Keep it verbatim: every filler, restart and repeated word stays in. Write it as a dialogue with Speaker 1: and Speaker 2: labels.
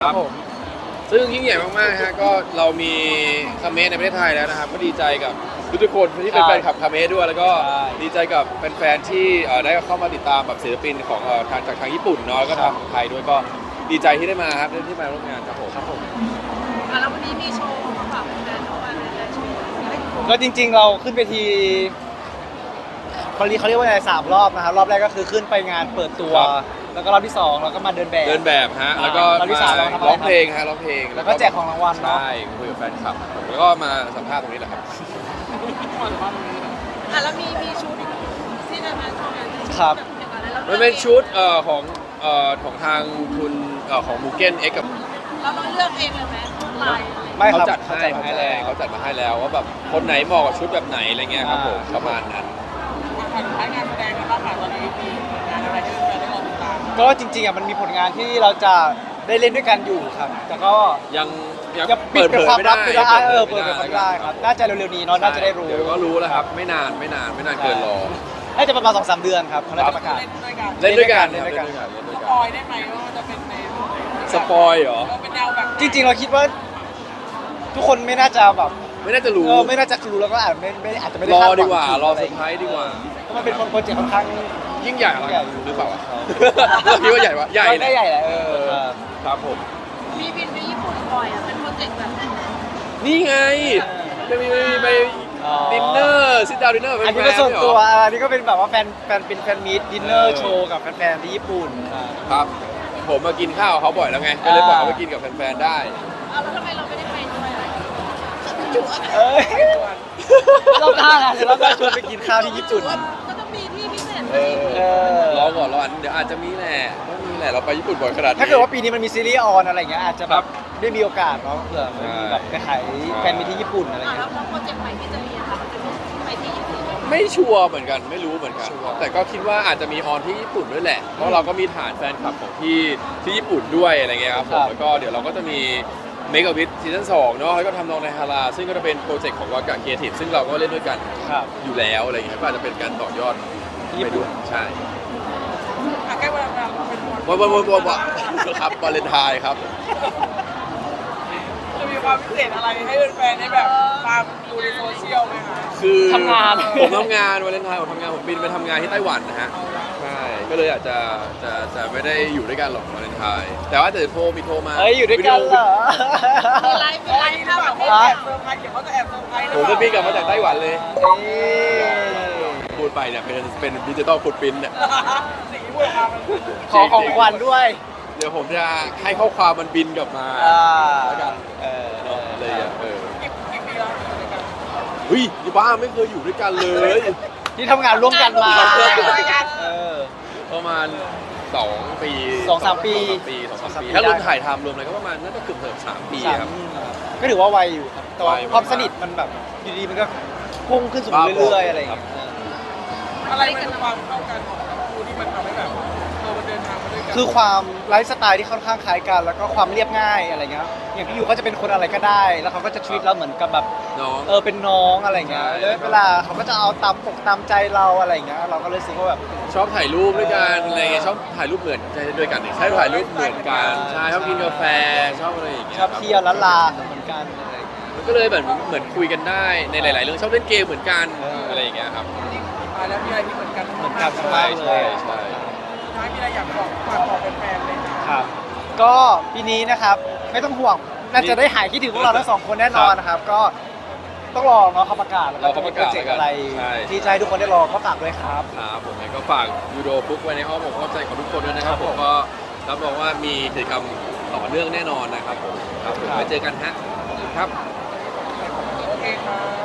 Speaker 1: ครับผมซึ่งยิ่งใหญ่มากๆฮะก็เรามีคาเมสในประเทศไทยแล้วนะครับก็ดีใจกับทุกๆคนที่เป็นแฟนคลับคาเมสด้วยแล้วก็ดีใจกับแฟนๆที่เอ่อได้เข้ามาติดตามแบบศิลปินของเอ่อทางจากทางญี่ปุ่นเนาะแล้วก็ทางไทยด้วยก็ดีใจที่ได้มาครับที่มาร่วมงานครับผมครับผม
Speaker 2: อ่ะแล้ววันนี้มีโชว์มาฝากแฟนๆทุกวันเลยโชว์
Speaker 3: ก็จริงๆเราขึ้นไปทีเขาเรียกเขาเรียกว่าอะไรสามรอบนะครับรอบแรกก็คือขึ้นไปงานเปิดตัว แล้วก็รอบที่สองเราก็มาเดินแบบ
Speaker 1: เดินแบบฮะแล้วก็
Speaker 3: รอบที่สามเราทำอะไร
Speaker 1: ร้องเพลงฮะร้องเพลง
Speaker 3: แล้วก็แจกของรางวัลเนาะ
Speaker 1: ใช่คุยกับแฟนคลับแล้วก็มาสัมภาษณ์ตรงนี้แหละครับ
Speaker 2: อ่ะแล้วมีมีชุดที่จะมาโชว์กัน
Speaker 3: ครับ
Speaker 1: มันเป็นชุดเอ่อของเอ่อของทางคุณเอ่อของมูเก้นเอ็กกับ
Speaker 2: เราต้องเลือกเองเลยไหมลายอะไร
Speaker 3: ไม่ค
Speaker 1: เขา
Speaker 3: รับ
Speaker 1: จัดให้
Speaker 3: เขา
Speaker 1: เขา
Speaker 3: จัดมาให้
Speaker 1: จัด
Speaker 3: แล้ว
Speaker 1: เขาจัดมาให้แล้วว่าแบบคนไหนเหมาะกับชุดแบบไหนอะไรเงี้ยครับผม
Speaker 3: อ่า
Speaker 1: ประมาณนั้น
Speaker 4: ผ่านงานแสดงกันบ้างค่ะตอนนี้มีงานอะไรที่เราได้รอติดตาม
Speaker 3: ก็จริงๆอ่ะมันมีผลงานที่เราจะได้เล่นด้วยกันอยู่ครับ แต่ก็
Speaker 1: ยังยัง
Speaker 3: ยังปิ
Speaker 1: เปิ
Speaker 3: ด
Speaker 1: ด
Speaker 3: เป็
Speaker 1: เผ
Speaker 3: น
Speaker 1: ย
Speaker 3: ความ
Speaker 1: ไม่
Speaker 3: ลั
Speaker 1: ได้
Speaker 3: บไม่ได้เออเปิด
Speaker 1: ผ
Speaker 3: เป็นความลับไม่ได้ครับน่าจะเร็วๆนี้เนาะน่าจะได้รู้
Speaker 1: เดี๋ยวก็รู้แล้วครับไม่นานไม่นานไม่นานเกินรอ
Speaker 3: น่าจะประมาณสองสามเดือนครับเขาน่าจะประกาศ
Speaker 4: เล่นด้วยกัน
Speaker 1: เล่นด้วยกัน
Speaker 3: เล่นด้วยกัน
Speaker 1: เล่นด้วย
Speaker 4: ส
Speaker 1: กัน
Speaker 4: ปอยได้ไหมว่ามันจะเป็นใน
Speaker 1: สปอยเหรอ
Speaker 4: เราเป็นแนวแบบ
Speaker 3: จริงๆเราคิดว่า ทุกคนไม่น่าจะแบบ
Speaker 1: ไม่น่าจะรู้
Speaker 3: เออไม่น่าจะรู้แล้วก็อาจไม่ไม่อาจจะไม่ได้
Speaker 1: รอ
Speaker 3: คาหง
Speaker 1: ดีกว่า
Speaker 3: ถึง
Speaker 1: รอ
Speaker 3: อะ
Speaker 1: เซ
Speaker 3: ไร
Speaker 1: อร์ไพรส์ดีกว่า
Speaker 3: เพราะมันเป็นโปรเจกต์ค่อนข้าง
Speaker 1: ยิ่งใหญ่
Speaker 3: ยิ่งใหญ่
Speaker 1: หรือเปล่าวะเราคิดว่าใหญ่ปะใหญ่
Speaker 3: ได้ใหญ่แหละเออครับ
Speaker 1: ครับผม
Speaker 2: มีบินไปญี่ปุ่นบ่อยอ่ะเป็นโปรเจกต์แบบไหน
Speaker 1: นี่ไงจะมีไป
Speaker 3: อ๋อ
Speaker 1: ดินเนอร์ซิดดาวดินเนอร์
Speaker 3: อันนี้ก็ส่วนตัวอันนี้ก็เป็นแบบว่าแฟนแฟนเป็นแฟนมีตดินเนอร์โชว์กับแฟนๆที่ญี่ปุ่นครับ
Speaker 1: ครับ ผมมากินข้าวกับเขาบ่อยแล้วไงก็เลยบอกเขาไปกินกับแฟนๆได้
Speaker 2: อ่ะแล้วทำไมเราไม่ได้ไปด้วยอ่ะ
Speaker 3: เอ้ยรอบหน้านะเดี๋ยวรอบหน้าชวนไปกินข้าวที่ญี่ปุ่น
Speaker 2: ก็ต้องมีที่พิเศษ
Speaker 1: เออ
Speaker 3: เออ
Speaker 1: รอก่อนรออันเดี๋ยวอาจจะมีแหละต้องมีแหละเราไปญี่ปุ่นบ่อยขนาดนี้
Speaker 3: ถ้าเกิดว่าปีนี้มันมีซีรีส์ออนอะไรอย่างเงี้ยอาจจะ
Speaker 1: ค
Speaker 3: แบ
Speaker 1: รั
Speaker 3: บบ ได้มีโอกาสเนาะเผื่อมันมีแบบไปขายแฟนมีที่ญี่ปุ่นอะไร
Speaker 2: อ่ะ
Speaker 3: เงี้
Speaker 2: แล้
Speaker 3: ยว
Speaker 2: แล้วโปรเจกต์ใหม่ที่จะมีอะค่ะมันจะมีไปที่ญี่ปุ่นไหม
Speaker 1: ไม่ชัวร์เหมือนกันไม่รู้เหมือนกัน แต่ก็คิดว่าอาจจะมีออนที่ญี่ปุ่นด้วยแหละ เพราะเราก็มีฐานแฟนคลับของที่ที่ญี่ปุ่นด้วยอะไรเงี้ยครับผมแล้วก็เดี๋ยวเราก็จะมีเมก a วิ t ซีซั่นสองเนาะแล้วก็ทำนองในฮาราซึ่งก็จะเป็นโปรเจกต์ของวากะเคียทีฟซึ่งเราก็เล่นด้วยกัน
Speaker 3: ครับ
Speaker 1: อยู่แล้วอะไรเงี้ยก็อาจจะเป็นการต่อยอด
Speaker 3: ที่ญี่
Speaker 1: ไป
Speaker 3: ปุ่
Speaker 1: ด้วน ยใช่
Speaker 4: อ่ะใกล้เวลาเราเป็นวัน
Speaker 1: วันวันวันวันวันครับวาเลนไทน์ครับ
Speaker 4: จะมีความพิเศษอะไรให้แฟนๆได้แบบตามดูในโซเชียลไหมคะ
Speaker 1: คือ
Speaker 3: ทำงาน
Speaker 1: ผมทำงานวาเลนไทน์ผมทำงานผมบินไปทำงานที่ไต้หวันนะฮะใช่ก็เลยอาจจะจะจะไม่ได้อยู่ด้วยกันหรอกวาเลนไทน์แต่ว่าจะโทรมีโทรมา
Speaker 3: เฮ้ยอยู่ด้วยกันเหรอ
Speaker 2: มีไลฟ์มีไลฟ์
Speaker 4: หรือ
Speaker 2: ข้าว
Speaker 4: เป
Speaker 2: ป
Speaker 4: ล่า
Speaker 2: ระเท
Speaker 4: เขา
Speaker 2: ศ
Speaker 4: แอบเซอร์ไพรส์เดี๋ยวเขาจะแอบเซอร์ไพรส์ห
Speaker 1: ผ
Speaker 4: รือ
Speaker 1: ม
Speaker 4: เป
Speaker 1: จะ
Speaker 4: ล่า
Speaker 1: บินกลับมาจากไต้หวันเลย
Speaker 3: นี่
Speaker 1: พูดไปเนี่ยเป็นเป็นดิจิตอลฟุตปรินท์เนี่ย
Speaker 4: สิ่งที่พูดออกมามัน
Speaker 3: ขอของขวัญด้วย
Speaker 1: เดี๋ยวผมจะให้ข้อความมันบินกลับมา
Speaker 3: อ่า
Speaker 1: แล้วกัน
Speaker 3: เออ
Speaker 1: เนาะอะไรอ่ะเออ
Speaker 4: กี่กี่ปีแล้วอยู่ด้วยกัน
Speaker 1: เฮ้ยยี่บ้าไม่เคยอยู่ด้วยกันเลย
Speaker 3: ที่ทำงานร่วมกันมา เออ
Speaker 1: ประมาณสองปี
Speaker 3: สองสามปี
Speaker 1: สองปีสองสามปี
Speaker 3: สองสามปี
Speaker 1: ถ้ารวม
Speaker 3: ได้
Speaker 1: ถ่ายทำรวมอะไรก็ประมาณน่าจะเกือบเกือบสามปี
Speaker 3: สาม
Speaker 1: ครับ
Speaker 3: ก็ถือว่าไวอยู่ครับแต่ว่า
Speaker 1: ไวมาก
Speaker 3: ความสนิทมันแบบอยู่ดีมันก็พุ่งขึ้นสูงเรื่อยๆอะไรอย่างเงี้ย
Speaker 4: อะไรมันเป็นความเข้ากันของทั้งคู่ที่มันทำให้แบบเออมันเดินทางมาด้วยกัน
Speaker 3: คือความไลฟ์สไตล์ที่ค่อนข้างคล้ายกัน แล้วก็ความเรียบง่ายอะไรเงี้ยอย่างพี่ยูเขาจะเป็นคนอะไรก็ได้ แล้วเขาก็จะชีวิตเราเหมือนกับแบบ
Speaker 1: น้อง
Speaker 3: เออเป็นน้องอะไรเงี้ย
Speaker 1: ใช่
Speaker 3: แล้วเวลาเขาก็จะเอาตามปกตามใจเราอะไรเงี้ยเราก็เลยรู้สึกว่าแบบ
Speaker 1: ชอบถ่ายรูปด้วยกันอะไรเงี้ยชอบถ่ายรูปเหมือนใช่ด้วยกันนี่ใช่ถ่ายรูปเหมือนกันใช่ชอบกินกาแฟชอบอะไรอย่างเงี้ย
Speaker 3: ชอบเที่ยวล้านลาเหมือนกันอะไรเงี้ย
Speaker 1: มันก็เลยเหมือนเหมือนคุยกันได้ในหลาย ๆ เรื่องชอบเล่นเกมเหมือนกัน
Speaker 3: เอออ
Speaker 1: อะไรอย่างเงี้ยครับ
Speaker 4: มาแล้วมีอะไรที่เหมือนกัน
Speaker 3: เหมือนกัน
Speaker 1: ใช่ใช่ใช่
Speaker 4: ท้ายมีอะไรอยากบอกฝากบอกแฟนๆเลย
Speaker 3: ครับก็ปีนี้นะครับไม่ต้องห่วงน่าจะได้หายคิดถึงพวกเราทั้งสองคนแน่นอนนะครับ ก็ต้องรอเนาะเขาประกาศแล้วก็จะมีโปรเจกต์อะไรที่จะให้ทุกคนได้รอก็ฝากด้วยครับ
Speaker 1: ครับผมเองก็ฝากยูโดฟุกไว้ในอ้อมอกอ้อมใจของทุกคนด้วยนะครับผมก็รับรองว่ามีกิจกรรมต่อเนื่องแน่นอนนะครับผมครับผม
Speaker 3: ครับ
Speaker 1: ไว้เจอกันฮะขอบคุณครับ
Speaker 4: โอเคค่ะ